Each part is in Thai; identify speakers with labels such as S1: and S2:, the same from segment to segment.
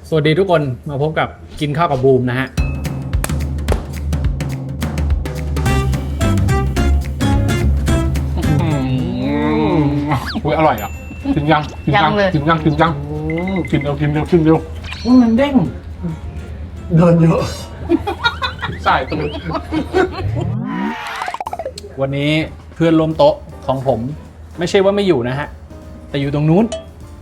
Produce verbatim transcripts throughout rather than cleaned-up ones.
S1: สวัสดีทุกคนมาพบกับกินข้าวกับบูมนะฮะอุ้ยอร่อยอ่ะกินยังกินยังกินยังกินยังกินเร็วกินเร็วกินเร็วมันเด้งเดินเยอะสายตื่นวันนี้เพื่อนร่วมโต๊ะของผมไม่ใช่ว่าไม่อยู่นะฮะแต่อยู่ตรงนู้น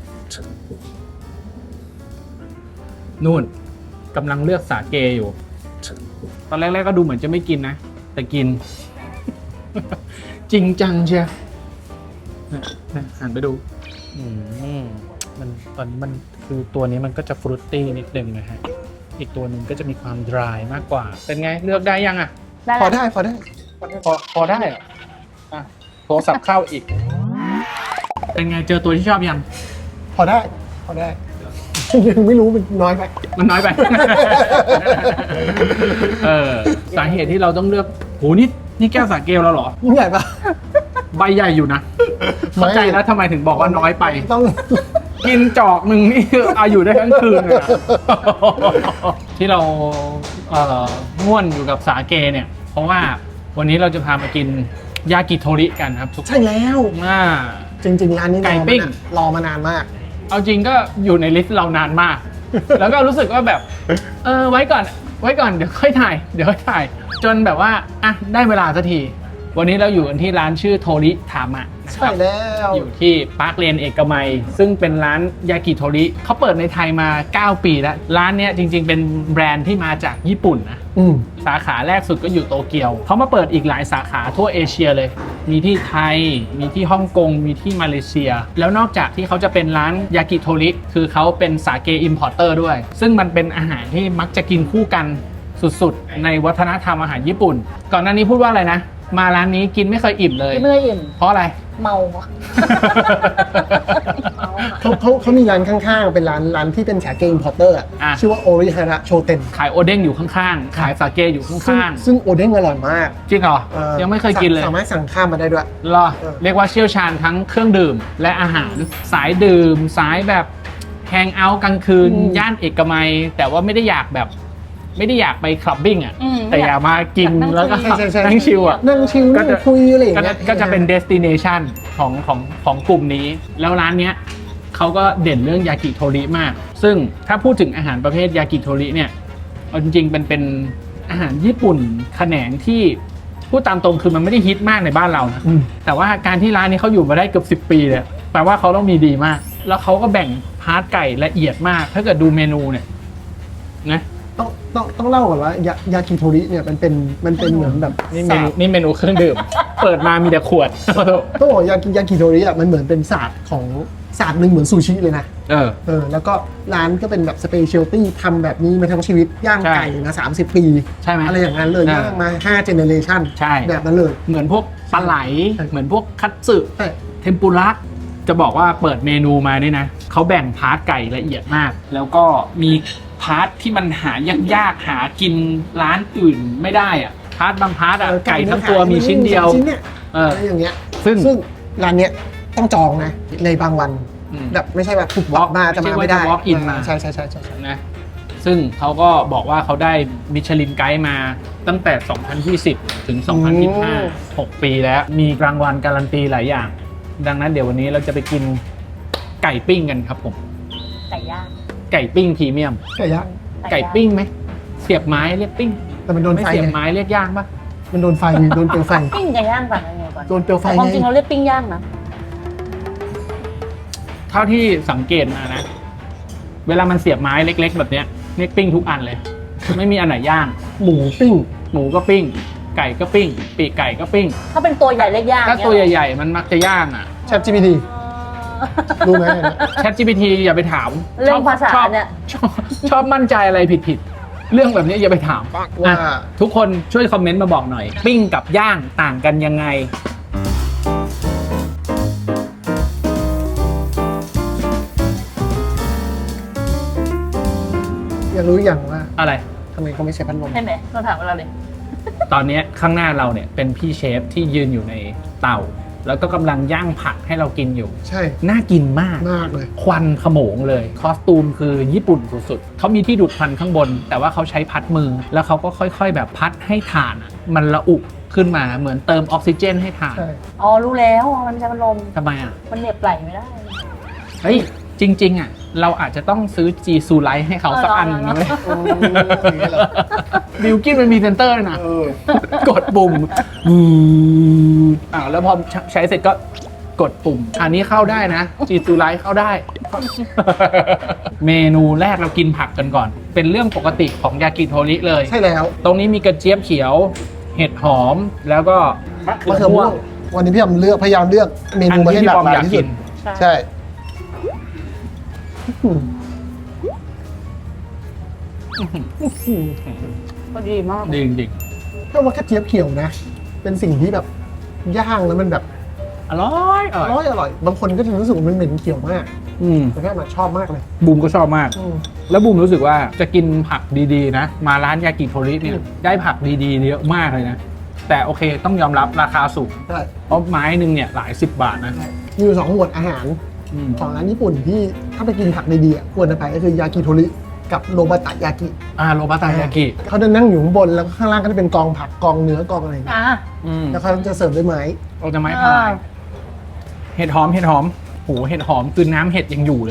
S1: นู่นกำลังเลือกสาเกอยู่ตอนแรกๆก็ดูเหมือนจะไม่กินนะแต่กิน จริงจังเชียวหันไปดูมันตอนนี้มันคือตัวนี้มันก็จะฟรุตตี้นิดนึงนะฮะอีกตัวหนึ่งก็จะมีความดรายมากกว่าเป็นไงเลือกได้ยังอ่ะ
S2: พอได้พอได้
S1: พอพอได้เหรออ่ะโทรศัพท์เข้าอีกเป็นไงเจอตัวที่ชอบยัง
S2: พอได้พอได้ยังไม่รู้มันน้อยไป
S1: มันน้อยไป เออสาเหตุที่เราต้องเลือกโหนี่นี่แก้วสาเกลแล้วเหรอ
S2: ใหญ่ปะ
S1: ใบใหญ่อยู่นะเข้าใจแล้วทำไมถึงบอกว่าน้อยไป
S2: ต้อง
S1: กินจอกหนึ่งนี่อาอยู่ได้ทั้งคืนเลยที่เราเอ่อง่วนอยู่กับสาเกเนี่ยเพราะว่าวันนี้เราจะพามากินยากิโทริกันครับทุก
S2: ใช่แล้ว
S1: อ่า
S2: จริงๆร้านนี้ไก่ปิ้งรอมานานมาก
S1: เอาจริงก็อยู่ในลิสต์เรานานมาก แล้วก็รู้สึกว่าแบบเออไว้ก่อนไว้ก่อนเดี๋ยวค่อยถ่ายเดี๋ยวค่อยถ่ายจนแบบว่าอ่ะได้เวลาสักทีวันนี้เราอยู่กันที่ร้านชื่อโทริทามะ
S2: ใช่แล้ว
S1: อยู่ที่ปาร์คเลนเอกมัยซึ่งเป็นร้านยากิโทริเขาเปิดในไทยมาเก้าปีแล้วร้านเนี้ยจริงๆเป็นแบรนด์ที่มาจากญี่ปุ่นนะสาขาแรกสุดก็อยู่โตเกียวเขามาเปิดอีกหลายสาขาทั่วเอเชียเลยมีที่ไทยมีที่ฮ่องกงมีที่มาเลเซียแล้วนอกจากที่เขาจะเป็นร้านยากิโทริคือเขาเป็นสาเกอิมพอร์เตอร์ด้วยซึ่งมันเป็นอาหารที่มักจะกินคู่กันสุดๆในวัฒนธรรมอาหารญี่ปุ่นก่อนหน้านี้พูดว่าอะไรนะมาร้านนี้กินไม่เคยอิ่มเลย
S3: ไม่เคยอิ่ม
S1: เพราะอะไร
S3: เมา
S2: เขาเขาเขามีร้านข้างๆเป็นร้านร้านที่เป็นสาเกอิมพอร์เตอร์อ่ะชื่อว่าโอริฮาระโชเต็น
S1: ขายโอเด้งอยู่ข้างๆขายสาเกอยู่ข้าง
S2: ๆซึ่งโอเด้งอร่อยมาก
S1: จริงเหรอยังไม่เคยกินเลย
S2: สามารถสั่งข้ามมาได้ด้วย
S1: รอเรียกว่าเชี่ยวชาญทั้งเครื่องดื่มและอาหารสายดื่มสายแบบแฮงเอาท์กลางคืนย่านเอกมัยแต่ว่าไม่ได้อยากแบบไม่ได้อยากไปคลับบิ้งอ่ะแต่อยากมากินแล้วก็นั่งชิลอ่ะ
S2: นั่งชิลนั่งคุยอะไรอย่างเงี้ย
S1: ก็จะเป็นเดสติเนชันของของของกลุ่มนี้แล้วร้านเนี้ยเขาก็เด่นเรื่องยากิโทริมากซึ่งถ้าพูดถึงอาหารประเภทยากิโทริเนี่ยเอาจริงๆเป็นเป็นอาหารญี่ปุ่นแขนงที่พูดตามตรงคือมันไม่ได้ฮิตมากในบ้านเรานะแต่ว่าการที่ร้านนี้เขาอยู่มาได้เกือบสิบปีเลยแปลว่าเขาต้องมีดีมากแล้วเขาก็แบ่งพาร์ทไก่ละเอียดมากถ้าเกิดดูเมนูเนี่ยนะ
S2: ต้องต้องต้องเล่าก่อนว่ายายากิโทริเนี่ยมันเป็นมันเป็นเหมือนแบบ
S1: นี่เมนูนี่เมนูเครื่องดื่ม เปิดมามีแต่ขวด
S2: ต้องบอกยากิยากิโทริอ่ะมันเหมือนเป็นศาสตร์ของศาสตร์หนึ่งเหมือนซูชิเลยนะ
S1: เออ
S2: เออแล้วก็ร้านก็เป็นแบบสเปเชียลตี้ทำแบบนี้มาทั้งชีวิตย่างไก่นะสามสิบปี
S1: ใช่ไหม
S2: อะไรอย่างนั้นเลยย่างมาห้าเจเนเรชั่น
S1: ใช่
S2: แบบนั้นเลย
S1: เหมือนพวกปลาไหลเหมือนพวกคัตสึเทมปุระจะบอกว่าเปิดเมนูมาเนี่ยนะเขาแบ่งพาร์ทไก่ละเอียดมากแล้วก็มีพาร์ทที่มันหายากๆหากินร้านอื่นไม่ได้อะพาร์ทบางพาร์ทอะไก่ทั้งตัวมีชิ้นเดียว
S2: เอออย่างเงี้ยซึ่งซึ่งร้านเนี้ยต้องจองนะในบางวันแบบไม่ใช่แบบถูกวอล์กมาจะมาไม่ได้
S1: วอล์กอินมา
S2: ใช่ใช่ใช่ใช่
S1: นะซึ่งเขาก็บอกว่าเขาได้มิชลินไกด์มาตั้งแต่สองพันยี่สิบถึงสองพันยี่สิบห้า หกปีแล้วมีรางวัลการันตีหลายอย่างดังนั้นเดี๋ยววันนี้เราจะไปกินไก่ปิ้งกันครับผม
S3: ไก่ย่าง
S1: ไก่ปิ้งพรีเมียม
S2: ไก่ย่าง
S1: ไก่ปิ้งไหมเสียบไม้เรียกปิ้ง
S2: แต่มันโดนไฟ
S1: เสียบไม้เรียกย่างปะ
S2: มันโดนไฟโดนเปลวไฟ
S3: ปิ้งไก่ย่างก่อนอะไรก่อน
S2: โดนเปลวไฟ
S3: ความจริงเราเรียกปิ้งย่างนะ
S1: เท่าที่สังเกตมานะเวลามันเสียบไม้เล็กๆแบบเนี้ยเรียกปิ้งทุกอันเลยไม่มีอันไหนย่าง
S2: หมูปิ้ง
S1: หมูก็ปิ้งไก่ก็ปิ้งปีกไก่ก็ปิ้ง
S3: ถ้าเป็นตัวใหญ่เรียกย่าง
S1: ถ้าตัวใหญ่ๆมันมักจะย่างอ่ะ
S2: แชท จี พี ที รู้ไหม
S1: แชท จี พี ที อย่าไปถาม
S3: เรื่องภาษาเนี่ย
S1: ชอบมั่นใจอะไรผิดๆเรื่องแบบนี้อย่าไปถามว่าทุกคนช่วยคอมเมนต์มาบอกหน่อยปิ้งกับย่างต่างกันยังไง
S2: อยากรู้อย่างว่า
S1: อะไร
S2: ทำไมเขาไม่ใช้พัดลม
S3: ใช่ไหมเราถามเราเลย
S1: ตอนนี้ข้างหน้าเราเนี่ยเป็นพี่เชฟที่ยืนอยู่ในเตาแล้วก็กำลังย่างผักให้เรากินอยู่
S2: ใช่
S1: น่ากินมาก
S2: มากเลย
S1: ควันขโมงเลยคอสตูมคือญี่ปุ่นสุดๆเขามีที่ดูดควันข้างบน แต่ว่าเขาใช้พัดมือ แล้วเขาก็ค่อยๆ แบบพัดให้ถ่านอะมันระอุขึ้นมาเหมือนเติมออกซิเจนให้ถ่าน
S2: ใช่
S3: อ๋อรู้แล้วมันจะพัดลม
S1: ทำไมอ่ะ
S3: มันเหน็บไหลไม่ได้
S1: เฮ้ย จริง ๆ อ่ะ เราอาจจะต้องซื้อจีซูไลท์ให้เขาสักอันนึงนะเว้ย
S2: โอ้ยเหรอ
S1: บิลกินมันมีเซนเตอร์ด้วยนะ
S2: เออ
S1: กดปุ่มอืมอ่าแล้วพอใช้เสร็จก็กดปุ่ม อันนี้เข้าได้นะจีซูไลท์เข้าได้ เมนูแรกเรากินผักกันก่อน เป็นเรื่องปกติของยากิโทริเลย
S2: ใช่แล้ว
S1: ตรงนี้มีกระเจี๊ยบเขียว เห็ดหอม แล้วก็มะเขื
S2: มะ
S1: อ
S2: เขือ
S1: ม่
S2: ม่
S1: ว
S2: ว
S1: ง
S2: งวันนี้พี่ยำเลือกพยายามเลือกเมนูมาให้หลากหลายที่สุด
S3: ใช่
S2: ใช่
S3: ก็ดีมาก
S1: ดีจริง
S2: ถ้าว่ากระเจี๊ยบเขียวนะ เป็นสิ่งที่แบบย่างแล้วมันแบบ
S1: ๆอร่อยอ
S2: อ
S1: ร่อย
S2: ร่อยอร่อยบางคนก็จะรู้สึกว่ามันเหม็นเขียวมาก
S1: อืม
S2: แต่แค่มาชอบมากเลย
S1: บูมก็ชอบมาก
S2: อืม
S1: แล้วบูมรู้สึกว่าจะกินผักดีๆนะ มาร้านยากิโทริเนี่ย
S2: อืม
S1: ได้ผักดีๆเยอะมากเลยนะ แต่โอเคต้องยอมรับราคาสูง
S2: ใช่
S1: เพราะไม้หนึ่งเนี่ยหลายสิบบาทนะ
S2: มีอยู่สองหมวดอาหาร
S1: อืม
S2: ของร้านญี่ปุ่นที่ถ้าไปกินผักดีๆอ่ะควรจะไปก็คือยากิโทริกับโรบะตะยากิ
S1: อ่าโรบะตายากิ
S2: เขาจะนั่งอยู่ข้างบนแล้วก็ข้างล่างก็จะเป็นกองผักกองเนื้อกองอะไรอย่างเงี้ย
S3: อ่ะ
S1: อืม
S2: แล้วเขาจะเสิร์ฟด้วยไม้
S1: เราจะไม้พายเห็ดหอมเห็ดหอมโหเห็ดหอมคือน้ำเห็ดยังอยู่เลย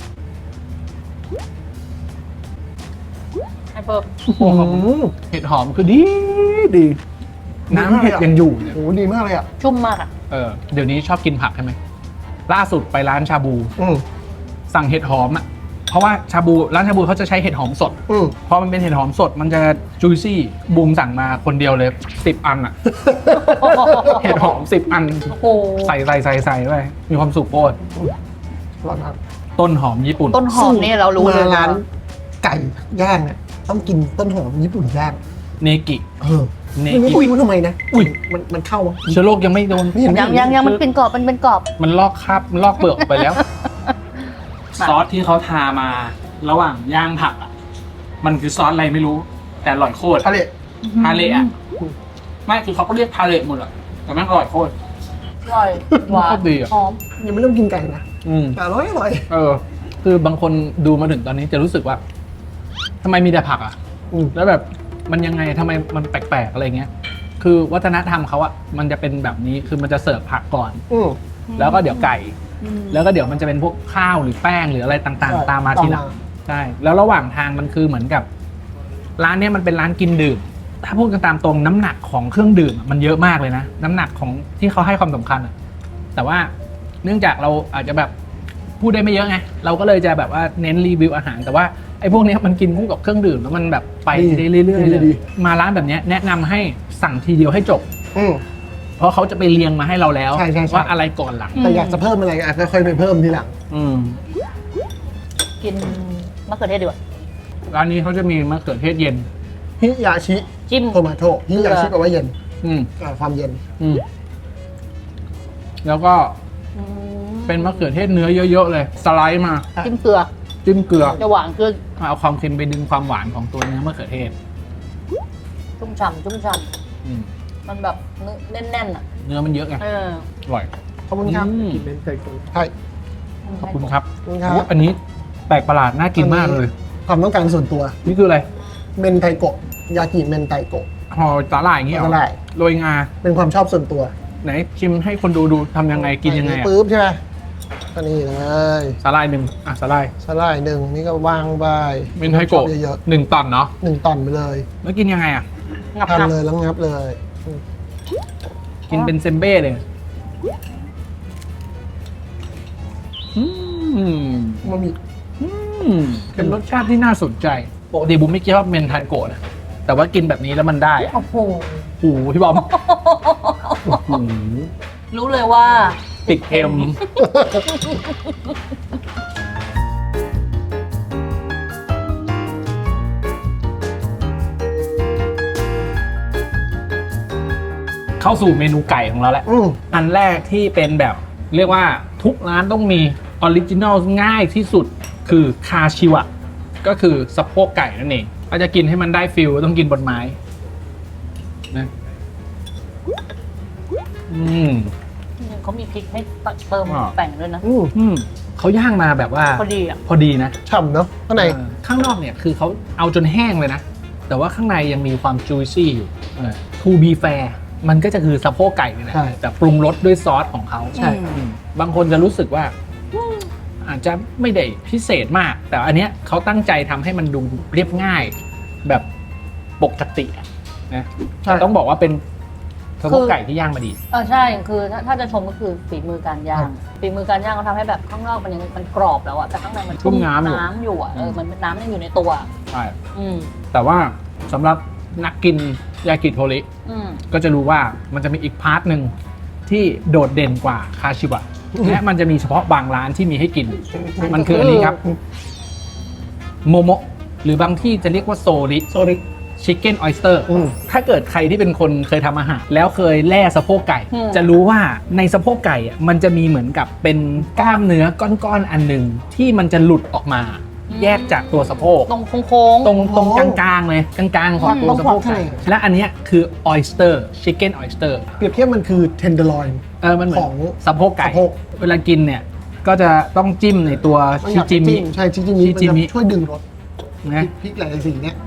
S3: ไอ้เพิ่ม
S1: โอ้โหเห็ดหอมคือดีดีน้ำเห็ดยังอยู่เนี่ย
S2: โอ้โหดีมากเลยอ่ะ
S3: ชุ่มมากอ่ะ
S1: เออเดี๋ยวนี้ชอบกินผักใช่ไหมล่าสุดไปร้านชาบู
S2: อืม
S1: สั่งเห็ดหอมอ่ะเพราะว่าชาบูร้านชาบูเขาจะใช้เห็ดหอมสด
S2: อืม
S1: พอมันเป็นเห็ดหอมสดมันจะจุยซี่บูมสั่งมาคนเดียวเลยสิบอันอ่ะ เห็ดหอมสิบอัน
S3: โอ้โห
S1: ใส่ใส่ใส่ใส่ไว้มีความสุขโคตร
S2: อร่อยมาก
S1: ต้นหอมญี่ปุ่น
S3: ต้นหอมเนี่ยเรารู้เลย
S2: มาร้าน
S3: ว่า
S2: ไก่ย่างเนี่ยต้องกินต้นหอมญี่ปุ่นย่าง
S1: เนกิ
S2: เออ
S1: เน
S2: ไม่รู้
S1: กิ
S2: คุยมันทำไมนะ
S1: อุ้ย
S2: มันมันเข้าวะ
S1: เชื้อโรคยังไม่โดน
S2: ไม่เห็น
S3: ยังยังยังมันเป็นกรอบมันเป็นกรอบ
S1: มันลอกคราบมันลอกเปลือกไปแล้ว ซอสที่เขาทามาระหว่างย่างผักอ่ะมันคือซอสอะไรไม่รู้ แต่อร่อยโคตร
S2: ทะเล
S1: ทาเละอ่ะไม่คือเขาก็เรียกทาเละหมดอ่ะแต่แม่งอร่อยโคตร
S3: อร่อยหวาน
S1: โคตรดีอะ
S3: หอม
S2: ยังไม่ต้องกินไก่นะ
S1: อืม
S2: แต่อร่อยอร่อย
S1: เออ คือบางคนดูมาถึงตอนนี้จะรู้สึกว่าทำไมมีแต่ผักอ่ะ
S2: อืม
S1: แล้วแบบมันยังไงทำไมมันแปลกๆอะไรเงี้ย คือวัฒนธรรมเขาอะมันจะเป็นแบบนี้คือมันจะเสิร์ฟผักก่อน
S2: อืม
S1: แล้วก็เดี๋ยวไก่
S3: อืม
S1: แล้วก็เดี๋ยวมันจะเป็นพวกข้าวหรือแป้งหรืออะไรต่าง
S2: ใช่
S1: ๆ ตามมาทีหลัง
S2: ตามมา
S1: ใช่แล้วระหว่างทางมันคือเหมือนกับ ร้านเนี้ยมันเป็นร้านกินดื่ม ถ้าพูดกันตามตรงน้ำหนักของเครื่องดื่มอะมันเยอะมากเลยนะน้ำหนักของที่เขาให้ความสำคัญอะแต่ว่าเนื่องจากเราอาจจะแบบพูดได้ไม่เยอะไงเราก็เลยจะแบบว่าเน้นรีวิวอาหาร แต่ว่าไอ้พวกเนี้ยมันกินคู่กับเครื่องดื่มแล้วมันแบบไปได้เรื่อยๆเลย
S2: ดี
S1: มาร้านแบบเนี้ยแนะนำให้สั่งทีเดียวให้จบ
S2: อืม
S1: เพราะเขาจะไปเรียงมาให้เราแล้ว
S2: ใช่ใช่ใช่
S1: ว่าอะไรก่อนหลัง
S2: แต่อยากจะเพิ่มอะไรอ่ะค่อยๆไปเพิ่มทีหลัง
S1: อืม
S3: กินมะเขือเทศดีกว่า
S1: ร้านนี้เขาจะมีมะเขือเทศเย็น
S2: ฮิยาชิ
S3: จิ้ม
S2: โทมาโตฮิยาชิแปลว่าเย็น
S1: อืม
S2: อ่าความเย็น
S1: อืมแล้วก็
S3: อืม
S1: เป็นมะเขือเทศเนื้อเยอะๆเลย สไลด์มา
S3: จิ้มเกลือ
S1: จิ้มเกลือ
S3: จะหวานเกลือ
S1: เอาความเค็มไปดึงความหวานของตัวเนื้อมะเขือเทศ
S3: ชุ่มฉ่ำชุ่มฉ่
S1: อืม
S3: ำมันแบบเนื้อแน่นๆอ่ะ
S1: เนื้อมันเยอะไง
S3: เออ
S1: อร่อย
S2: ขอบคุณครับ
S1: อืม
S2: กินเป็นไก่ตุ๋นใช่
S1: ขอบคุณครับ
S2: ขอบคุณครับ
S1: โอ้อันนี้แปลกประหลาดน่ากินมากเลย
S2: ความต้องการส่วนตัว
S1: นี่คืออะไร
S2: เมนไทโกะยากิเมนไทโกะ
S1: ห่อสาหร่ายอย่างงี้เหรอ
S2: สาหร่าย
S1: โรยงา
S2: เป็นความชอบส่วนตัว
S1: ไหนชิมให้คนดูดูทำยังไงกินยังไง
S2: ใส่
S1: อะ
S2: ปุ๊บใช่ไหมก็นี่เลย
S1: สาหร่ายหนึ่งอ่ะสาหร่าย
S2: สไลด์หนึ่งนี่ก็วางไป
S1: เมนไทโกะ
S2: ชอบเยอะ
S1: หนึ่งตอนเนาะ
S2: ๆหนึ่งตอนไปเลย
S1: แล้วกินยังไงอ่ะ
S3: งับ
S2: ทาน
S3: งับ
S2: เลยแล้วงับเลยอืม
S1: กินเป็นเซมเบ้เลยอืม
S2: มันมี
S1: อืมเป็นรสชาติที่น่าสนใจปกติบุมไม่คิดว่าเมนไทโกะนะแต่ว่ากินแบบนี้แล้วมันได้อะ
S3: โอ้โห
S1: โอ้โหพี่บอมโอ้โห
S3: รู้เลยว่า
S1: ติดเค็มเข้าสู่เมนูไก่ของเราแล้ว
S2: อืม
S1: อันแรกที่เป็นแบบเรียกว่าทุกร้านต้องมีออริจินอลง่ายที่สุดคือคาชิวะก็คือสะโพกไก่นั่นเองถ้าจะกินให้มันได้ฟิลต้องกินบนไม้นะอืม
S3: เขามีพริกให้เติม
S1: อ่า
S3: แต่งด้วยนะ
S2: อืม
S1: อืมเขาย่างมาแบบว่า
S3: พอดีอ่ะ
S1: พอดีนะ
S2: ฉ่ำเนาะข้างใน
S1: เออข้างนอกเนี่ยคือเขาเอาจนแห้งเลยนะ แต่ว่าข้างในยังมีความ juicy อยู่เออ to be fair มันก็จะคือสะโพกไก่นี่แหละ
S2: ใช่
S1: แต่ปรุงรสด้วยซอสของเขา
S2: ใช่
S1: อืมบางคนจะรู้สึกว่า อาจจะไม่ได้พิเศษมาก แต่อันเนี้ยเขาตั้งใจทำให้มันดูเรียบง่าย แบบปกติอะนะ
S2: ใช่
S1: แต่ต้องบอกว่าเป็นสะโพกไก่ที่ย่างมาดี
S3: เออใช่คือถ้าถ้าจะชมก็คือฝีมือการย่างฝีมือการย่างเขาทำให้แบบข้างนอกมันยังมันกรอบแล้วอะแต่ข้างในมัน
S1: ชุ่มน้ำอยู่
S3: น้ำอยู่อะเออมันน้ำยังอยู่ในตัว
S1: ใช่
S3: อืม
S1: แต่ว่าสำหรับนักกินยากิโทริ
S3: อืม
S1: ก็จะรู้ว่ามันจะมีอีกพาร์ทหนึ่งที่โดดเด่นกว่าคาชิบะและมันจะมีเฉพาะบางร้านที่มีให้กิน มันคืออันนี้ครับโมโมะหรือบางที่จะเรียกว่าโซริ
S2: โซริ
S1: ชิคเก้นออยสเตอร์
S2: อืม
S1: ถ้าเกิดใครที่เป็นคนเคยทำอาหารแล้วเคยแล่สะโพกไก่
S3: อืม
S1: จะรู้ว่าในสะโพกไก่อะมันจะมีเหมือนกับเป็นกล้ามเนื้อก้อนๆอันหนึ่งที่มันจะหลุดออกมา แยกจากตัวสะโพก
S3: ตรงโค้งๆ
S1: ตรงตรงกลางๆเลยกลางๆของตัวสะโพกไก่และอันเนี้ยคือออยสเตอร์ชิคเก้นออยสเตอร์
S2: เปรียบเทียบมันคือเทนเดอร์ลอยน์
S1: เออมันเหมือน
S2: ของ
S1: สะโพกไก่
S2: สะโพก
S1: เวลากินเนี่ยก็จะต้องจิ้มในตัวชิจิมิ
S2: ใช่ชิจิมิ
S1: ชิ
S2: มัน
S1: จิมิ
S2: จะช่วยดึงรส
S1: นะ
S2: พริกหลายๆสีเนี่ย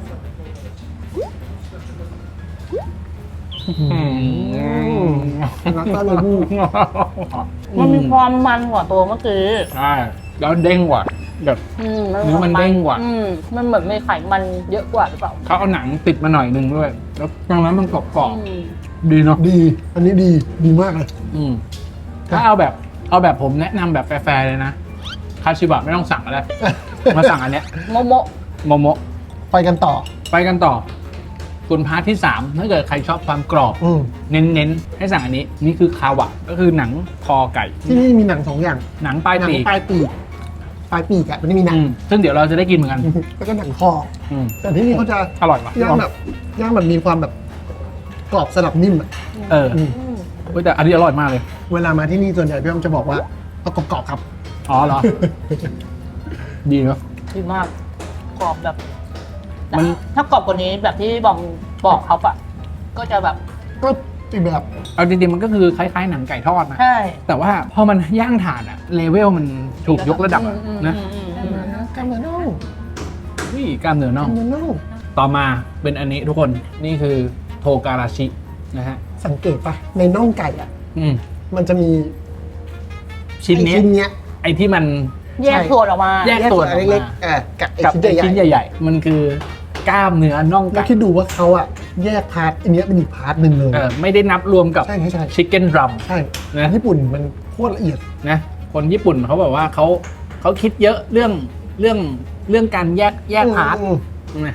S2: แล้วก็เลยบู
S3: มันมีความมันกว่าตัวเมื่อกี้
S1: ใช่แล้วเด้งกว่าแบบ
S3: อืม
S1: เนื้อมันเด้งกว่า
S3: อืมมันเหมือนมีไขมันเยอะกว่าหรือเปล่า
S1: เขาเอาหนังติดมาหน่อยหนึงด้วย แล้วตรงนั้นมันกรอบ
S3: อืม
S1: ๆดีเนาะ
S2: ดี อันนี้ดี ดีมากเลย
S1: อืมถ้าเอาแบบเอาแบบผมแนะนำแบบแฟร์ๆเลยนะคาชิบะไม่ต้องสั่งอะไร มาสั่งอันเนี้ย
S3: โมโมะ
S1: โมโมะ
S2: ไปกันต่อ
S1: ไปกันต่อส่วนพาร์ทที่สามถ้าเกิดใครชอบความกรอบ
S2: อืม
S1: เน้นๆ ให้สั่งอันนี้ นี่คือคาวะก็คือหนังคอไก่
S2: ที่นี่มีหนังสองอย่าง
S1: หนังปลาย
S2: หนั
S1: ปีก
S2: ปลายปีก ปลายปีกอะมันจะมีหนั
S1: อื
S2: ง
S1: มซึ่งเดี๋ยวเราจะได้กินเหมือนกัน
S2: แล้วก็หนังคอ
S1: อืม
S2: แต่ที่นี่เขาจะ
S1: อร่อยปะ
S2: ย่างแบบย่างแบบมีความแบบกรอบสลับนิ่มอะ
S1: เออ
S2: อืม
S3: อืม
S1: เฮ้ยแต่อันนี้อร่อยมากเลย
S2: เวลามาที่นี่ส่วนใหญ่พี่อ้อมจะบอกว่าเอากรอบๆครับ
S1: อ๋อเหรอ ดีเนาะ
S3: ดีมากกรอบแบบ
S1: มัน
S3: ถ้ากรอบกว่านี้แบบที่บอมบอกเขาปะก็จะแบบ
S2: ก็อีกแบบ
S1: เอาจริงๆมันก็คือคล้ายๆหนังไก่ทอดนะ
S3: ใช่
S1: แต่ว่าพอมันย่างถ่านอะเลเวลมันถูกยกระดับอะ
S3: อืม
S1: นะ
S3: อืมอืมอืม
S2: กล้ามเนื้อน่อง
S1: นี่กล้ามเนื้อน่
S2: ก
S1: อ
S2: ล้าง มเนื้อน่อง
S1: ต่อมาเป็นอันนี้ทุกคนนี่คือโทการาชินะฮะ
S2: สังเกตปะในน่องไก่อะ
S1: อืม
S2: มันจะมี
S1: ชิ้นเนี้ย
S2: ไอ้ชิ้นเนี้ย
S1: ไอ้ที่มัน
S3: แยกส่วนออกมา
S1: แยก ส่วนออกมา
S2: เล็กๆอ่ะกับไอ้
S1: กับ
S2: ชิ้น
S1: ไอ้
S2: ใหญ่
S1: ชิ้น
S2: ๆ
S1: ใหญ่ๆ มันคือกล้ามเนื้อน่อง
S2: แล้ว
S1: ไก่
S2: คิดดูว่าเขาอะแยกพาร์ทอันเนี้ยเป็นอีกพาร์ทหนึ่งเลย
S1: เออไม่ได้นับรวมกับ
S2: ใช่ใช่ใช่
S1: ชิคเก้นดรัม
S2: ใช่
S1: นะ
S2: ญี่ปุ่นมันโคตรละเอียด
S1: นะคนญี่ปุ่นเขาบอกว่าเขาเขาคิดเยอะเรื่องเรื่องเรื่องการแยกแยกพาร์ท
S2: อืม
S1: นะ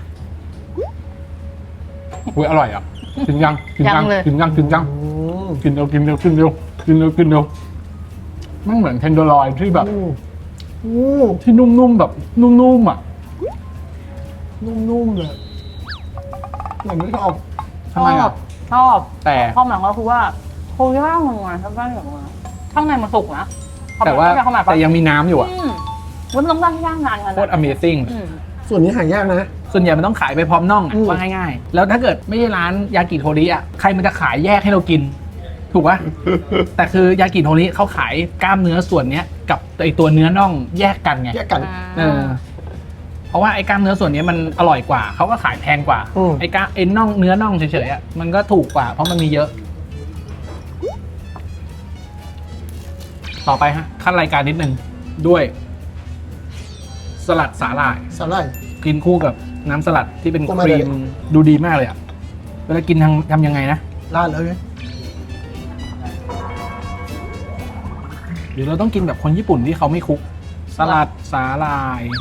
S1: อุ้ยอร่อยอ่ะกินยังกิน
S3: ยังเลย
S1: กินยังกินยัง
S2: อืม
S1: กินเร็วกินเร็วกินเร็วกินเร็วกินเร็วมันเหมือนเทนเดอร์ลอยที่แบบ
S2: อืมอืม
S1: ที่นุ่มๆแบบนุ่มๆอ่ะ
S2: นุ่มๆเลยเหมือนไม่ชอบ
S1: ทำไมอ่ะ
S3: ชอบ
S1: แต่
S3: ชอบหนังก็คือว่าเขาย่างมันมาทำได้อย่างมาข้างในมันสุกนะ
S1: แต่ว่า
S3: เข้ามาปะ
S1: แต่ยังมีน้ำอยู่อ่ะ
S3: อืมมันต้องย่างย่างนานขนาด
S1: โคตร Amazing
S3: อืม
S2: ส่วนนี้หายากนะ
S1: ส่วนใหญ่มันต้องขายไปพร้อมน่องอะ
S2: อืม
S1: ว่าง่ายๆ แล้วถ้าเกิดไม่ใช่ร้านยากิโทริอ่ะใครมันจะขายแยกให้เรากิน ถูกปะ แต่คือยากิโทริเขาขายกล้ามเนื้อส่วนเนี้ยกับไอตัวเนื้อน่องแยกกันไง
S2: แยกกัน
S1: เออเพราะว่าไอ้กล้ามเนื้อส่วนนี้มันอร่อยกว่าเขาก็ขายแพงกว่า
S2: อืม
S1: ไอ้กล้ามไอ้น่องเนื้อน่องเฉยๆอ่ะมันก็ถูกกว่า เพราะมันมีเยอะ ต่อไปฮะขั้นรายการนิดนึงด้วย สลัดสาหร่าย
S2: สาหร่าย
S1: กินคู่กับน้ำสลัดที่เป็น
S2: โอ้
S1: ค
S2: ไม่
S1: รี
S2: เลย
S1: มดูดีมากเลยอ่ะเวลากินทำทำยังไงนะ
S2: ราดเลย
S1: หรือเราต้องกินแบบคนญี่ปุ่นที่เขาไม่คลุก สลัดสาหร่าย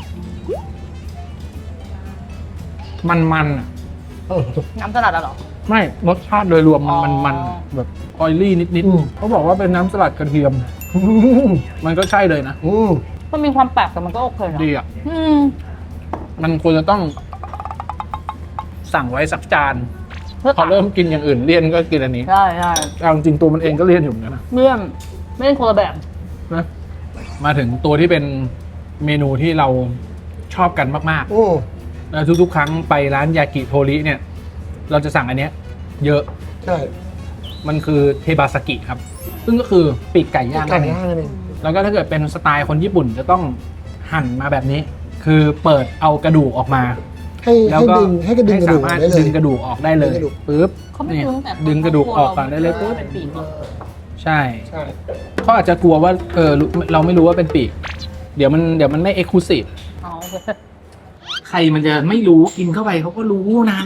S1: มันๆอะ
S2: เออ
S3: น้ำสลัดอะเหรอ
S1: ไม่รสชาติโดยรวมมัน
S3: อ๋อ
S1: มันมันแบบออยลี่นิด
S2: อืม
S1: ๆเขาบอกว่าเป็นน้ำสลัดกระเทียม
S2: อืม
S1: มันก็ใช่เลยนะ
S2: อืม
S3: มันมีความแปลกแต่มันก็โอเคนะ
S1: ดีอ่ะ
S3: อืม
S1: มันควรจะต้องสั่งไว้สักจาน
S3: เพื่อ
S1: พอเริ่มกินอย่างอื่นเลี่ยนก็กินอันนี้
S3: ใช่ใช่
S1: เอาจริงๆตัวมันเองก็เลี่ยนอยู่เหมือนกันนะ
S3: เมื่อมไม่ได้คนละแบบ
S1: นะมาถึงตัวที่เป็นเมนูที่เราชอบกันมาก
S2: อืม
S1: ๆแล้วทุกๆ ครั้งไปร้านยากิโทริเนี่ย เราจะสั่งอันเนี้ย เยอะ
S2: ใช่
S1: มันคือเทบาสกิครับ
S2: อ
S1: ซึ่งก็คือปีกไก่ย่าง
S2: ไก่ย่างนั่นเอง
S1: แล้วก็ถ้าเกิดเป็นสไตล์คนญี่ปุ่นจะต้องหั่นมาแบบนี้ คือเปิดเอากระดูกออกมา
S2: ให้
S1: แล้ว
S2: ให้
S1: ก็
S2: ดึงให้กระดึงกระดูก
S1: สามารถ
S2: ได้เลย
S1: ดึงกระดูกออกได้เลย
S2: ดึงกระดูก
S1: ปุ๊บ
S3: เขาไม่
S1: นี่
S3: รู้แต่
S1: ดึงกระดูกออกก่อนได้เลยปุ๊บ
S3: เป็นปีกเหรอ
S1: ใช่
S2: ใช่
S1: เขาอาจจะกลัวว่าเออเราไม่รู้ว่าเป็นปีก เดี๋ยวมันเดี๋ยวมันไม่เอ็กซ์คลูซีฟ
S3: อ๋อโอเค
S1: ใครมันจะไม่รู้กินเข้าไปเขาก็รู้นั้น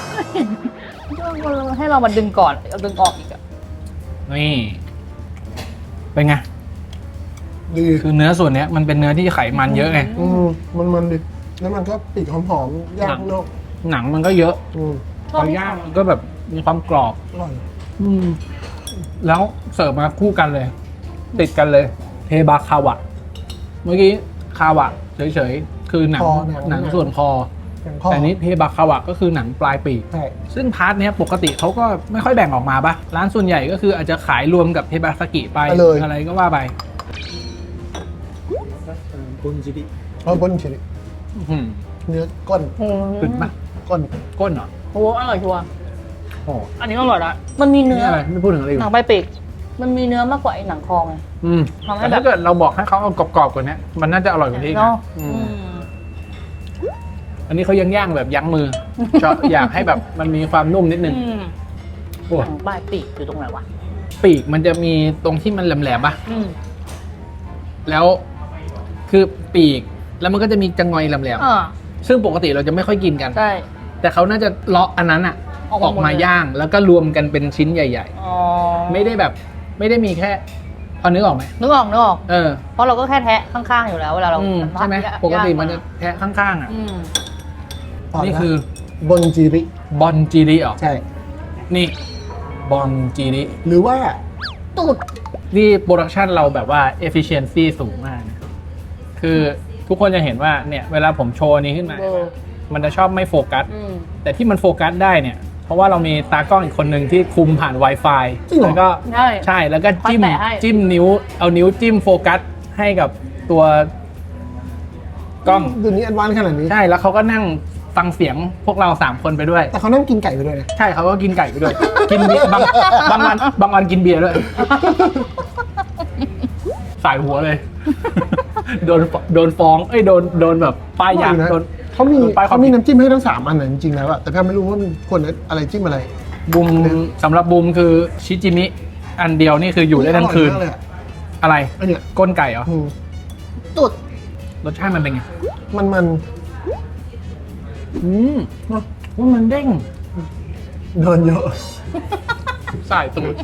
S3: ให้เรามาดึงก่อนเอาดึงออกอีกอะ
S1: นี่เป็นไง
S2: ดี
S1: คือเนื้อส่วนเนี้ยมันเป็นเนื้อที่ไขมันเยอะไง
S2: อืมมันมันดิแล้วมันก็ปีกหอมๆย่างข้างนอก
S1: หนังมันก็เยอะ
S2: อืม
S1: พอย่างมันก็แบบมีความกรอบ
S2: อร่อย
S1: อืมแล้วเสิร์ฟมาคู่กันเลย ติดกันเลย เทบาคาวะ เมื่อกี้คาวะเฉยๆ คือหนัง
S2: คอหนัง
S1: หนังส่วนคอ
S2: อย่างข้อ
S1: แต่นี้เทบาคาวะก็คือหนังปลายปีก
S2: ใช่
S1: ซึ่งพาร์ทเนี้ยปกติเขาก็ไม่ค่อยแบ่งออกมาปะร้านส่วนใหญ่ก็คืออาจจะขายรวมกับเทบาสกิไปอะไรก็ว่าไป
S2: เพราะบนเฉย
S1: อื้อหือ
S2: เนื้อก้น
S3: อืม
S1: ขึ้นปะ
S2: ก้น
S1: ก้นเหรอ
S3: โอ้โหอร่อยชัวร์
S1: โอ้
S3: อันนี้อร่อยละมันมี
S1: นี่
S3: เนื้อ
S1: อะไรไม่พูดถึงอะไรอยู่
S3: หนังใบปีกมันมีเนื้อมากกว่าไอ้หนังคอไง
S1: อืม
S3: ทำให้
S1: แต่
S3: แบบ
S1: ถ้าเกิดเราบอกให้เขาเอากรอบๆกว่านี้มันน่าจะอร่อยกว่านี้อีก
S3: เนาะ
S1: นะอื
S3: อื
S1: ม
S3: ม
S1: อันนี้เขายังย่างแบบยั้งมือ ชอบอยากให้แบบมันมีความนุ่มนิดนึง
S3: อืม
S1: โอ้
S3: หนังใบปีกอยู่ตรงไหนวะ
S1: ปีกมันจะมีตรงที่มันแหลมๆป่ะ
S3: อืม
S1: แล้วคือปีกแล้วมันก็จะมีจังงอยแหลม
S3: อ่า
S1: ๆซึ่งปกติเราจะไม่ค่อยกินกัน
S3: ใช่
S1: แต่เขาน่าจะเลาะอันนั้นอะ
S3: ออก
S1: อ
S3: มา
S1: อก
S3: หมด
S1: มา
S3: เลย
S1: ย่างแล้วก็รวมกันเป็นชิ้นใหญ่
S3: อ๋อ
S1: ๆ ไม่ได้แบบ ไม่ได้มีแค่พอนึกออกไหม
S3: นึกออกนึกออก
S1: เออ
S3: เพราะเราก็แค่แทะข้างๆอยู่แล้วเวลาเรา
S1: อืมใช่ไหม
S3: ย่าง
S1: ปกติมันจะแทะข้างๆอ่ะ
S3: อืม
S1: นี่คือบ
S2: นจีริ
S1: บอนจีริเหรอ
S2: ใช่
S1: นี่บอนจีริ
S2: หรือว่า
S3: ตูด
S1: นี่โปรดักชันเราแบบว่า efficiency สูงมากนะคือทุกคนจะเห็นว่าเนี่ยเวลาผมโชว์นี้ขึ้นมา
S3: เออ
S1: มันจะชอบไม่โฟกัส
S3: อืม
S1: แต่ที่มันโฟกัสได้เนี่ย เพราะว่าเรามีตากล้องอีกคนหนึ่งที่คุมผ่าน Wi-Fi
S2: จริงเหรอ
S1: แล้วก็
S3: ใช่
S1: ใช่แล้วก็จิ้ม
S3: คอยแตะให้
S1: จิ้มนิ้ว เอานิ้วจิ้มโฟกัสให้กับตัวกล้อง
S2: เดี๋ยวนี้แอดวานซ์ขนาดนี้
S1: ใช่แล้วเขาก็นั่งฟังเสียงพวกเราสามคนไปด้วย
S2: แต่เขานั่งกินไก่ไปด้วยนะ
S1: ใช่เขาก็กินไก่ไปด้วย กินเบียร์บางบางวันบางวันกินเบียร์ด้วย สายหัวเลย โดนโดนฟ้องเอ้ยโดนโดนแบบป้ายยา
S2: อร่อยนะ
S1: โดน
S2: เขามี
S1: โดนป้ายความ
S2: เขามี
S1: ผิด
S2: น้ำจิ้มให้ทั้งสามอันนะจริงๆแล้วอะแต่แพทย์ไม่รู้ว่ามันควรอะไรจิ้มอะไร
S1: บูมสำหรับบูมคือชิจิมิอันเดียวนี่คืออยู่ได้ทั้งคืน
S2: อร่อยมากเลยอะ
S1: อะไร
S2: อันเนี้ย
S1: ก้นไก่เหรอ
S2: อืม
S3: ตูด
S1: รสชาติมันเป็นไง
S2: มันมัน
S1: อืมว่ามันเด้ง
S2: เดินเยอะ
S1: สายตูด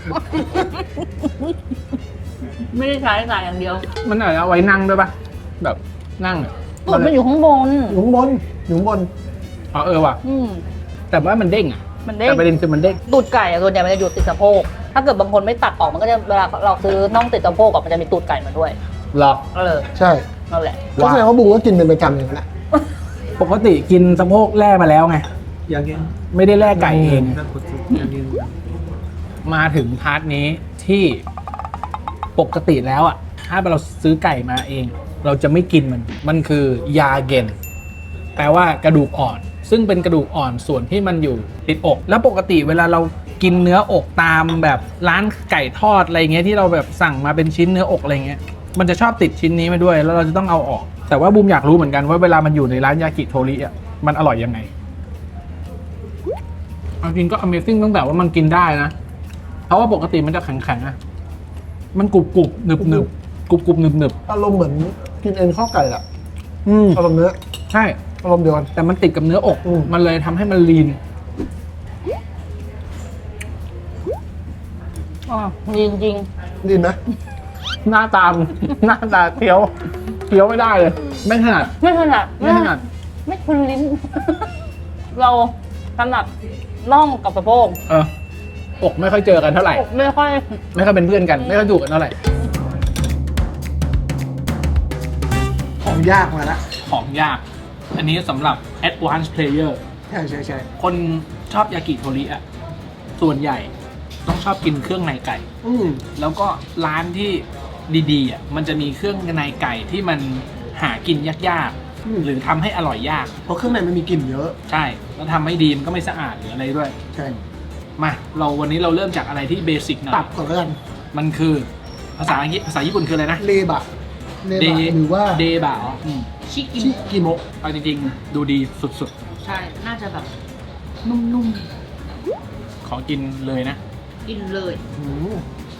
S3: ไม่ได้ใช้สายอย่างเดียว
S1: มันอาจจะเอาไว้นั่งด้วยปะแบบนั่งอะ
S3: ตูดมันอยู่ข้างบน
S2: อยู่ข้างบนอยู่ข้างบน
S1: อ๋อเออว่ะ
S3: อืม
S1: แต่ว่ามันเด้งอะ
S3: มันเด้ง
S1: แต่ประเด็นคือมันเด้ง
S3: ตูดไก่อะส่วนใหญ่มันจะอยู่ติดสะโพก ถ้าเกิดบางคนไม่ตัดออกมันก็จะเวลาเราซื้อน่องติดสะโพกอะมันจะมีตูดไก่มาด้วย
S1: เหรอ
S3: เออ
S2: ใช่
S3: นั่นแหละ
S2: ก็แสดงว่าบุ้งก็กินเป็นประจำอย่างนั้นแหละ
S1: ปกติกินสะโพกแล่มาแล้วไง ไม่ได้แล่ไก่เอง มาถึงพาร์ทนี้ที่ปกติแล้วอ่ะ ถ้าเราซื้อไก่มาเอง เราจะไม่กินมัน มันคือยาเกนแปลว่ากระดูกอ่อน ซึ่งเป็นกระดูกอ่อนส่วนที่มันอยู่ติดอก แล้วปกติเวลาเรากินเนื้ออกตามแบบร้านไก่ทอดอะไรเงี้ยที่เราแบบสั่งมาเป็นชิ้นเนื้ออกอะไรเงี้ย มันจะชอบติดชิ้นนี้มาด้วย แล้วเราจะต้องเอาออก แต่ว่าบูมอยากรู้เหมือนกันว่าเวลามันอยู่ในร้านยากิโทริอ่ะ มันอร่อยยังไงเอาจริงก็ Amazing ตั้งแต่ว่ามันกินได้นะ เพราะว่าปกติมันจะแข็งๆอะมันกรุบกรุบหนึบหนึบกรุบกรุบหนึบหนึบ
S2: อารมณ์เหมือนกินเอ็นข้าวไก่อะ
S1: อืม
S2: อารมณ์เนื้อ
S1: ใช่
S2: อารมณ์เดียวกัน
S1: แต่มันติดกับเนื้ออก
S2: อืม
S1: มันเลยทำให้มันลีน
S3: อ๋อจริงจริง
S2: ดีไหม
S1: หน้าตาม หน้าตาเคี้ยวเคี้ยวไม่ได้เลย ไม่ถนัด
S3: ๆไม่ถนัด
S1: ไม่ถนัด
S3: ไม่คุ้นลิ้น เราถนัดน่องกับสะโพก
S1: เอออกไม่ค่อยเจอกันเท่าไหร่
S3: อกไม่ค่อย
S1: ไม่ค่อยเป็นเพื่อนกัน ไม่ค่อยถูกกันเท่าไหร่
S2: ของยากมาละ
S1: ของยาก อันนี้สำหรับ advanced player
S2: ใช่ใช่ใช่
S1: คนชอบยากิโทริอะส่วนใหญ่ต้องชอบกินเครื่องในไก่
S2: อืม
S1: แล้วก็ร้านที่ดีๆอ่ะมันจะมีเครื่องในไก่ที่มันหากินยากๆ หรือทำให้อร่อยยาก
S2: เพราะเครื่องในมันมีกลิ่นเยอะ
S1: ใช่ แล้วทำไม่ดีมันก็ไม่สะอาดหรืออะไรด้วย
S2: ใช่
S1: มาเราวันนี้เราเริ่มจากอะไรที่เบสิกหน่อย
S2: ตับก่อนแล้วกัน
S1: มันคือภาษาอังกฤษภาษาญี่ปุ่นคืออะไรนะ
S2: เลบะเลบะหรือว่า
S1: เดบะอ๋ออืม
S3: ชิกิ
S2: ชิกิโมะ
S1: เอาจริงๆ ดูดีสุด
S3: ใช่ น่าจะแบบนุ่ม
S1: ๆ ขอกินเลยนะ
S3: ๆ กินเลย
S2: อืม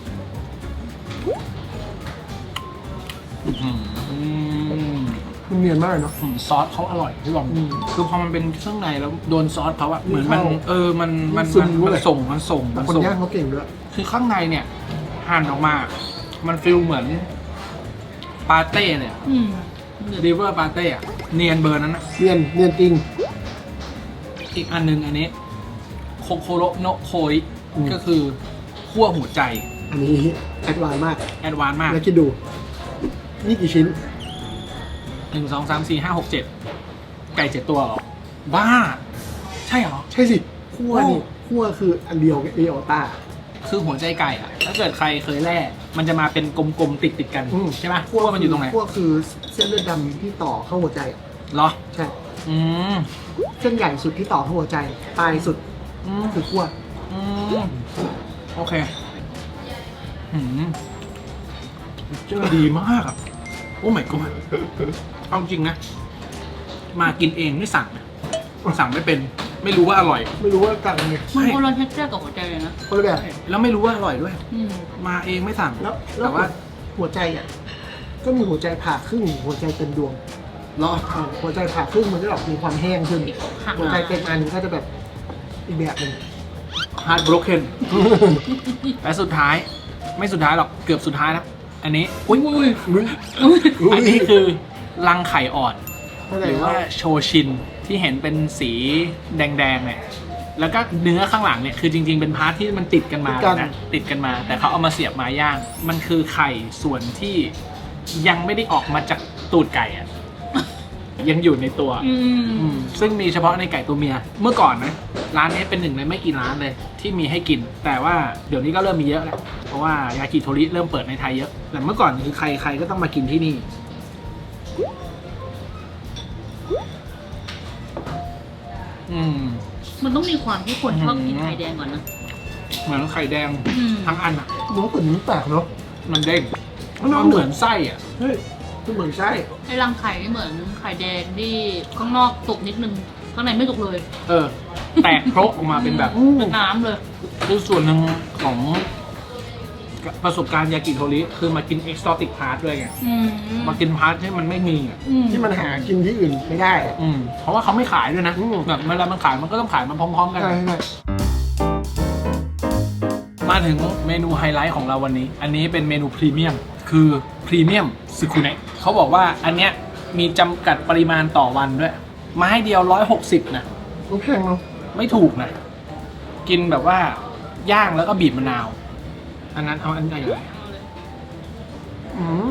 S1: อืม
S2: มันเนียนมากเลยเนาะ
S1: อืมซอสเขาอร่อยพี่บอม
S2: อืม
S1: คือพอมันเป็นเครื่องในแล้วโดนซอสเขาอะเหมือนมัน
S2: เข้า
S1: เออมันมัน
S2: ซึ
S1: มั
S2: ม
S1: น
S2: ด้
S1: มั
S2: วย
S1: นส่งมันส่ง
S2: แต่
S1: มัน
S2: คน
S1: ส่ง
S2: ย่างเขาเก่งด้วย
S1: คือข้างในเนี่ยหั่นออกมา มันฟิลเหมือนปาเต้เนี่ย
S3: อืม
S1: ริเวอร์ปาเต้อะเนียนเบอร์นั้นนะ
S2: เนียนเนียนจริง
S1: อีกอันนึงอันนี้โคโคโรโนะโคริ
S2: อืม
S1: ก็คือขั้วหัวใจ
S2: อันนี้แอดวานซ์มาก
S1: แอดวานซ์มาก
S2: แล้วคิดดู นี่กี่ชิ้น
S1: หนึ่งสองสามสี่ห้าหกเจ็ดไก่เจ็ดตัวเหรอ บ้า ใช่เหรอ
S2: ใช่สิคั่วนี่คั่วคืออันเดียวกับเอโอต้า
S1: คือหัวใจไก่อะถ้าเกิดใครเคยแล่มันจะมาเป็นกลมๆติดติดๆกัน
S2: อืม
S1: ใช่ปะขั้วมันอยู่ตรงไหน
S2: คั่วคือเส้นเลือดดำที่ต่อเข้าหัวใจอะ
S1: เหรอ
S2: ใช่
S1: อืม
S2: เส้นใหญ่สุดที่ต่อเข้าหัวใจ ปลายสุด
S1: อืม
S2: คือคั่ว
S1: อืมโอเคหืมเจอดีมากอะโอ้ my god เอาจริงนะ มากินเองไม่สั่งนะสั่งไม่เป็น ไม่รู้ว่าอร่อย
S2: ไม่รู้ว่าต่างไง
S3: มันคนละเท็กเจอร์กับหัวใจเลยนะ
S2: คนละแบบ
S1: แล้วไม่รู้ว่าอร่อยด้วย
S3: อืม
S1: มาเองไม่สั่ง
S2: แล้วแล้
S1: แต่
S2: ว
S1: ว่า
S2: หัวใจอ่ะ ก็มีหัวใจผ่าครึ่ง หัวใจเต็มดวง
S1: รอ
S2: อ่าหัวใจผ่าครึ่งมันจะแบบมีความแห้งขึ้น
S3: หัก
S2: หัวใจเต็มอันก็จะแบบอีกแบบหนึ่ง
S1: heart broken และสุดท้ายไม่สุดท้ายหรอกเกือบสุดท้ายแล้ว อันนี้อุ้ย
S2: อุ้ย
S1: อันนี้คือรังไข่อ่อน
S2: เข้ใจ
S1: หรือว่าโชชินที่เห็นเป็นสีแดงๆเนี่ยแล้วก็เนื้อข้างหลังเนี่ยคือจริงๆเป็นพาร์ทที่มันติดกันมานะติดกันมา แต่เขาเอามาเสียบมาย่าง มันคือไข่ส่วนที่ยังไม่ได้ออกมาจากตูดไก่อะ ยังอยู่ในตัว
S3: อืม
S1: อืมซึ่งมีเฉพาะในไก่ตัวเมีย เมื่อก่อนนะร้านนี้เป็นหนึ่งในไม่กี่ร้านเลยที่มีให้กิน แต่ว่าเดี๋ยวนี้ก็เริ่มมีเยอะแล้วเพราะว่ายากิโทริเริ่มเปิดในไทยเยอะแต่เมื่อก่อนคือใครใครก็ต้องมากินที่นี่อืม
S3: มันต้องมีความที่คนชอบกินไข่แดงก่อนนะ
S1: เหมือนไข่แดง
S3: อืม
S1: ทั้งอันอ่ะ
S2: น้องตุ๋นมันแปลกเนาะ
S1: มันเด้ง
S2: มัน
S1: มันเหมือนไส้อ่ะ
S2: เฮ้ยมันเหมือนไส้
S3: ไอ้รังไข่นี่เหมือนไข่แดงที่ข้างนอกสุกนิดนึง ข้างในไม่สุกเลย
S1: เออ แตกโครกออกมาเป็นแบบ
S2: อืม
S3: เป็นน้ำเลย
S1: คือส่วนหนึ่งของประสบการณ์ยากิโทริคือมากินเอ็กซ์ตอติกพาร์ทด้วยไง
S3: อืม
S1: มากินพาร์ทที่มันไม่มีอ่ะ
S3: อืม
S2: ที่มันหากินที่อื่นไม่ได้อะ
S1: อืมเพราะว่าเขาไม่ขายด้วยนะ
S2: อืม
S1: แบบเวลามันขายมันก็ต้องขายมันพร้อมๆกัน
S2: ใช่ใช่
S1: มาถึงเมนูไฮไลท์ของเราวันนี้ อันนี้เป็นเมนูพรีเมียมคือพรีเมียมซึคุเนะเขาบอกว่าอันเนี้ยมีจำกัดปริมาณต่อวันด้วยไม้เดียวร้อยหกสิบนะ
S2: มันแพงเนาะ
S1: ไม่ถูกนะ กินแบบว่าย่างแล้วก็บีบมะนาว อันนั้นเอาอันใหญ่เลย
S2: อืม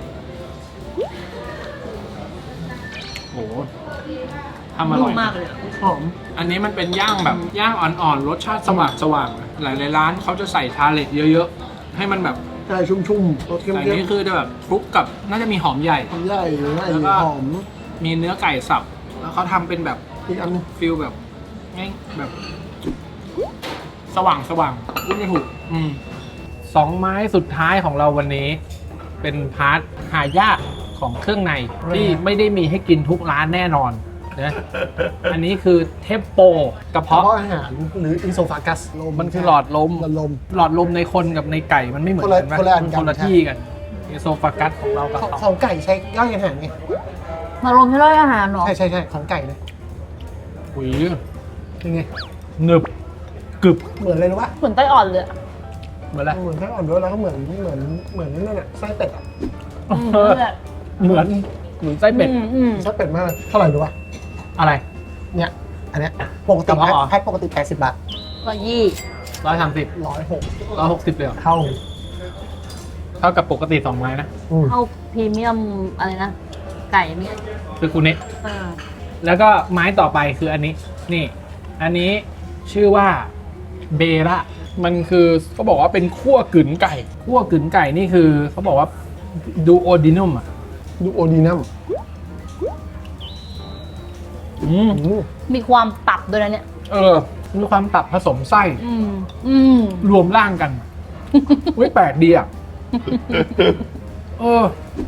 S1: โหทำอร่อย
S3: นุ่มมากเลยอะ
S2: หอม
S1: อันนี้มันเป็นย่างแบบย่างอ่อนๆ รสชาติสว่างสว่างๆหลายๆร้านเขาจะใส่ทาเลตเยอะๆ ให้มันแบบ
S2: ใช่ชุ่มๆรสเค็ม
S1: แต่อัน
S2: ๆ
S1: นี้คือจะแบบคลุกกับน่าจะมีหอมใหญ่
S2: หอมใหญ่หรืออะไร
S1: แล้วก็
S2: หอม
S1: มีเนื้อไก่สับ แล้วเขาทำเป็นแบบ
S2: อีกอันหนึง
S1: ฟิลแบบง่ายแบบ สว่างสว่างพูดไม่ถูกอืมสองไม้สุดท้ายของเราวันนี้ เป็นพาร์ทหายากของเครื่องในที่ไม่ได้มีให้กินทุกร้านแน่นอนนะอันนี้คือเทปโปกระ
S2: เพราะ
S1: เพาะ
S2: อาหารหรืออินโซฟากัสลม
S1: มันคือหลอดลม
S2: หลอดลม
S1: หลอดลมในคนกับในไก่มันไม่เหมือนกัน
S2: คนละคนละอันกัน
S1: คนละที่กันเอโซฟากัสของเรากับ
S2: ของ
S1: เขา
S2: ของไก่ใช้ย่อยอาหารไง
S3: มาลมที่ร้อยอาหารเนาะ
S2: ใช่ใช่ใช่ของไก่เลย
S1: หุย
S2: เป็นไง
S1: หนึบกรึบ
S2: เหมือนอะไรรู้ป่ะ
S3: เหมือนไต้อ่อนเลยอะ
S1: เหมือนอะไร
S2: เหมือนไส้อ่อนด้วยแล้วก็เหมือนเหมือนเหมือนนั่นแหละไส้เป็ดอ่ะ
S3: อืมนั่นแหละ
S1: เหมือนเหมือนไส้เป็ด
S3: อืมอืม
S2: ไส้เป็ดมากเลยเท่าไหร่รู้ป่ะ
S1: อะไร
S2: เนี่ยอันเนี้ยปกติ
S1: กระเพาะเหรอ
S2: แพ็คปกติแปดสิบบาท
S3: ก็ยี่
S1: ร้อยสามสิบ
S2: ร้อยหก
S1: ร้อยหกสิบเลยเหรอ
S2: เท่า
S1: เท่ากับปกติสองไม้นะ
S2: อืม
S3: เข้าพรีเมียมอะไรนะ ไก่เนี่ย
S1: คือคุณเนะ
S3: อ่า
S1: แล้วก็ไม้ต่อไปคืออันนี้ นี่ อันนี้ชื่อว่าเบระมันคือเขาบอกว่าเป็นคั่วกึ๋นไก่คั่วกึ๋นไก่นี่คือเขาบอกว่าดูโอดินัมอ่ะ
S2: ดูโอดีนัม
S1: อืม
S2: อืม
S3: มีความตับด้วยนะเนี่ย
S1: เออมีความตับผสมไส้
S3: อืม อืม
S1: รวมร่างกันอุ้ยแปลกดีอ่ะเออ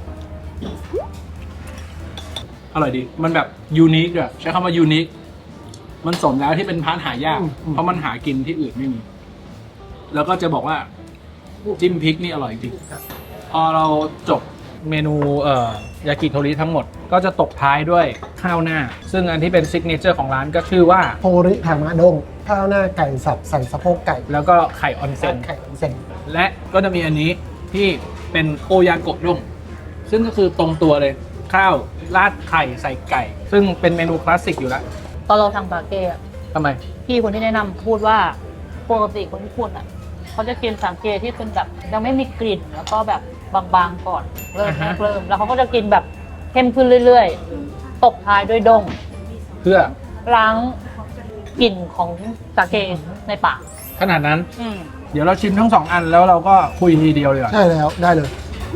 S1: อร่อยดีมันแบบยูนิคอะใช้คำว่ายูนิคมันสมแล้วที่เป็นพาร์ทหายากเพราะมันหากินที่อื่นไม่มี แล้วก็จะบอกว่าจิ้มพริกนี่อร่อยจริงพอเราจบเมนูเอ่อยากิโทริทั้งหมดก็จะตกท้ายด้วยข้าวหน้า ซึ่งอันที่เป็นซิกเนเจอร์ของร้านก็ชื่อว่า
S2: โทริทามะด้งข้าวหน้าไก่สับใส่สะโพกไก่
S1: แล้วก็ไข่ออนเซ็น
S2: ไข่ออนเซ็น
S1: และก็จะมีอันนี้ที่เป็นโอยาโกะด้งซึ่งก็คือตรงตัวเลยข้าวราดไข่ใส่ไก่ ซึ่งเป็นเมนูคลาสสิกอยู่แล้ว
S3: ตอนเราทำปาเก้อะ
S1: ทำไม
S3: พี่คนที่แนะนำพูดว่าปกติคนญี่ปุ่นอ่ะเขาจะกินสามเกที่เป็นแบบยังไม่มีกลิ่นแล้วก็แบบบางๆก่อนเริ่ม
S1: อ่าฮะ
S3: เริ่มแล้วเขาก็จะกินแบบเข้มขึ้นเรื่อยๆ ตบท้ายด้วยดง
S1: เพื่อ
S3: ล้างกลิ่นของสาเกในปาก
S1: ขนาดนั้น
S3: อืม
S1: เดี๋ยวเราชิมทั้งสองอันแล้วเราก็คุยทีเดียวเลยก่อน
S2: ใช่แล้วได้เลย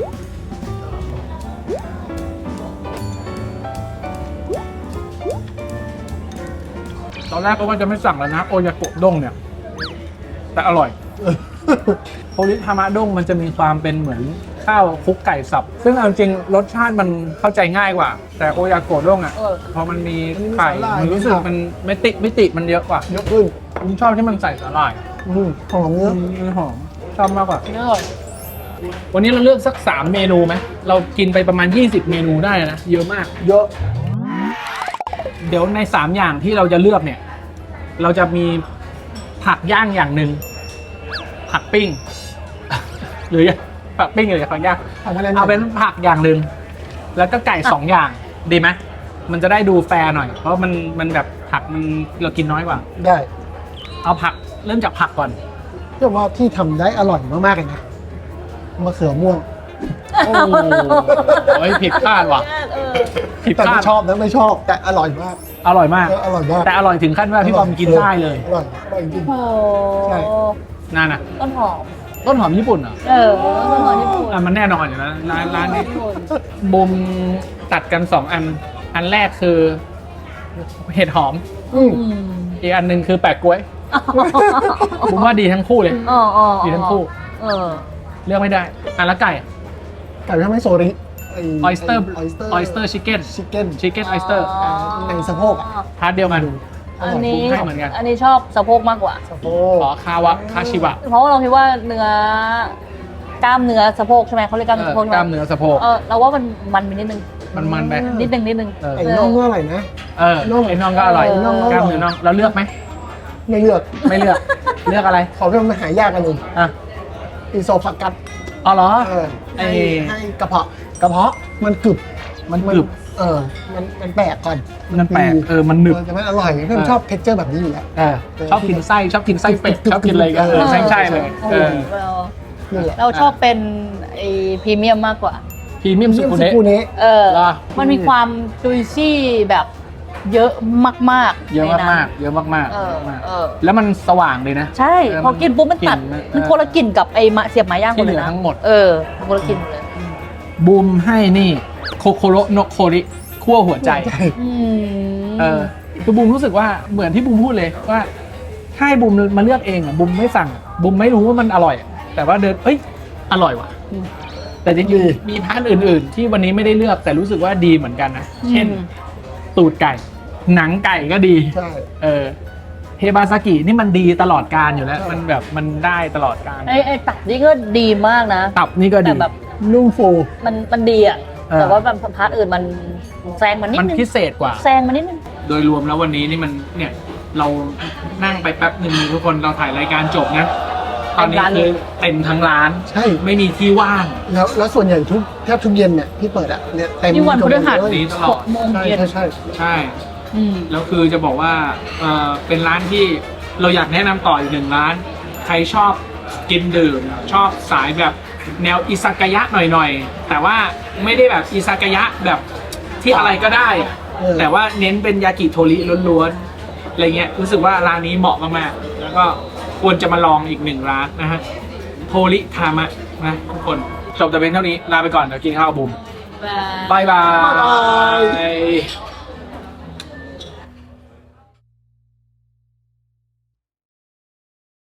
S1: ตอนแรกก็ว่าจะไม่สั่งแล้วนะโอยาโกะด้งเนี่ย แต่อร่อยโทริทามะด้งมันจะมีความเป็นเหมือนข้าวคลุกไก่สับ ซึ่งเอาจริงรสชาติมันเข้าใจง่ายกว่า แต่โอยาโกะด้งอ่ะ
S3: เออ
S1: พอมันมี
S2: มันมี
S1: ไข่
S2: สาหร่าย
S1: มันรู้สึกมันไม่ติมิติมันเยอะกว่า
S2: ยกขึ้น
S1: ผมชอบที่มันใส่สาหร่าย
S2: อืมหอมเนื้อ
S1: มันหอมชอบมากกว่า
S3: เนื้ออร่อย
S1: วันนี้เราเลือกสักสามเมนูไหมเรากินไปประมาณยี่สิบเมนูได้นะเยอะมาก
S2: เยอะ
S1: เดี๋ยวในสามอย่างที่เราจะเลือกเนี่ย เราจะมีผักย่างอย่างหนึ่งผักปิ้ง หรือผักปิ้งหรือผักย่าง
S2: ผักอะไรนะ
S1: เอาเป็นผักอย่างหนึ่งแล้วก็ไก่สองอย่างดีไหมมันจะได้ดูแฟร์หน่อย เพราะมันมันแบบผักมันเรากินน้อยกว่า
S2: ได้
S1: เอาผักเริ่มจากผักก่อน
S2: เรียกว่าที่ทำได้อร่อยมากๆเลยนะมะเขือม่วง
S1: โอ้โหผิดคาดว่ะ
S3: เออ
S1: ผิด
S2: แต่
S1: คา
S2: ไม่
S1: ด
S2: ชอบนะไม่ชอบแต่อร่อยมาก
S1: อร่อยมาก
S2: เอออร่อยมาก
S1: แต่อร่อยถึงขั้นว่าพี่บอมกินได้เลย
S2: อร่อยอร่อยจริง
S3: โอ้โห
S2: ใช่
S1: นั่นน่ะ
S3: ต้นหอม
S1: ต้นหอมญี่ปุ่นเหรอ
S3: เออต้นหอมญี่ปุ่น
S1: อ่ะมันแน่นอนอยู่แล้วร้านร้านนี้
S3: ญี่ปุ่น
S1: บุมตัดกันสองอัน อันแรกคือเห็ดหอม
S2: อืม
S3: อืม
S1: อีกอันหนึ่งคือแปะกล้วยบุมว่าดีทั้งคู่เลย
S3: อ๋ออ๋อ
S1: ดีทั้งคู่
S3: เออ
S1: เลือกไม่ได้อันละไก่
S2: ไก่ทำให้โซริ
S1: ออยสเตอร์
S2: ออยสเตอร์
S1: ออยสเตอร์ชิคเก้น
S2: ชิคเก้น
S1: ชิคเก้นออยสเตอร์
S2: ในสะโพกอะ
S1: พาร์ทเดียวกัน
S3: อันนี้
S1: บุมให้เหมือนกัน
S3: อันนี้ชอบสะโพกมากกว่า
S2: สะโพ
S1: ขอก คาวะคาชิวะ
S3: เพราะว่าเราคิดว่าเนื้อกล้ามเนื้อสะโพกใช่ไหมเขาเรียกกล้าม
S1: เอ
S3: เนื้อ
S1: อ
S3: สะโพก
S1: กล้ามเนื้อสะโพก
S3: เออเราว่ามันมันไปนิดนึง
S1: มันมันไป
S3: นิดนึงนิดนึง
S1: เออ
S2: ไอ้น่องก็อร่อยนะ
S1: เออ
S2: น่อง
S1: ไอ้น่องก็อร่อย
S3: เออน่องก็อร่อย
S1: กล้ามเนื้อน่องเราเลือกไหม
S2: ไม่เลือก
S1: ไม่เลือก เลือกอะไร
S2: ขอเพิ่มมาหายากกันหนึ่ง
S1: อ่ะ
S2: อิโซฟักัส
S1: อ๋อเหรอ
S2: เออ
S1: ไอ้
S2: ให้ให้กระเพาะกระเพาะมันกรึบ
S1: มันกรึบ
S2: เออมันมันแปลกก่อน
S1: มันแปลกเออมันหนึบ
S2: เออแต่มันอร่อยเพื่อน
S1: เออ
S2: ชอบเท็กเจอร์แบบนี้อยู่แล้ว
S1: เออชอบกินไส้ชอบกินไส้เป็ดชอบกินอะไรกันเออใช่ใช่เลยเออ
S3: เรา
S2: นี่แหละ
S3: เราชอบเป็นไอพรีเมียมมากกว่า
S1: พรีเมียมสุ
S2: เยี่ยม
S1: กุ
S2: สุ
S1: เนะ
S2: กุเนะ
S3: เออ
S1: เหรอ
S3: มันมีความจุยซี่แบบเยอะมากๆ
S1: เยอะ
S3: ในนั้น
S1: มากๆเยอะมาก
S3: เออ
S1: ๆ
S3: เออ
S1: แล้วมันสว่างเลยนะ
S3: ใช่
S1: เออ
S3: พอกินปุ๊บมันตัด
S1: กลิ่นมัน
S3: มัน
S1: เออ
S3: คนละกลิ่นกับไอ้มะเสียบไม้ย่าง
S1: ที่
S3: คน
S1: เห
S3: เล
S1: ลื
S3: ย
S1: อ
S3: นะ
S1: ทั้งหมด
S3: เออคนละกลิ่นเลย
S1: บูมให้นี่โคโคโรโนโคริคั่วหัวใจ
S3: อืม
S1: เออคือบูมรู้สึกว่าเหมือนที่บูมพูดเลยว่าถ้าให้บูมมาเลือกเองอ่ะบูมไม่สั่งบูมไม่รู้ว่ามันอร่อย แต่ว่าเดินเอ้ยอร่อยว่ะ แต่จริงๆมีพาร์ทอื่นๆ ที่วันนี้ไม่ได้เลือกแต่รู้สึกว่าดีเหมือนกันนะ เช่น ตูดไก่ หนังไก่ก็ดี
S2: ใช่
S1: เออเฮบาซากินี่มันดีตลอดการอยู่แล้ว มันแบบมันได้ตลอดการ
S3: ไอ้ไอ้ตัดนี่ก็ดีมากนะ
S1: ตับนี่ก็ดี
S3: แต่แบบ
S2: นุ่มฟู
S3: มันมันดีอ่ะ
S1: เออ
S3: แต่ว่าแบบพาร์ทอื่นมันแซงมันนิด
S1: มัน
S3: นึง
S1: พิเศษกว่า
S3: แซงมันนิดนึง
S1: โดยรวมแล้ววันนี้นี่มันเนี่ยเรานั่งไปแป๊บหนึ่งทุกคนเราถ่ายรายการจบนะ ตอนนี้คือเต็มทั้งร้าน
S2: ใช่
S1: ไม่มีที่ว่าง
S2: แล้วแล้วส่วนใหญ่ทุกแทบทุกเย็นเนี่ยที่เปิดอ่ะเนี่ยเต็ม
S3: นี่วันพฤหัส
S2: เลย
S1: นี้ตลอด
S3: หกโมง
S2: ใช่
S3: เย็น
S2: ใช่ใช่
S1: ใช่
S3: อืม
S1: แล้วคือจะบอกว่าเออเป็นร้านที่เราอยากแนะนำต่ออีกหนึ่งร้าน ใครชอบกินดื่มชอบสายแบบแนวอิซากายะหน่อยๆ แต่ว่าไม่ได้แบบอิซากายะแบบที่อะไรก็ได้อะ
S2: เออ
S1: แต่ว่าเน้นเป็นยากิโทริล้วนๆอะไรเงี้ยรู้สึกว่าร้านนี้เหมาะมากๆแล้วก็ควรจะมาลองอีกหนึ่งร้านนะฮะโทริทามะนะทุกคนจบแต่เพียงเท่านี้ลาไปก่อนเดี๋ยวกินข้าวกับบุม
S3: บาย
S1: บายบา
S2: บ๊ายบาย
S1: ย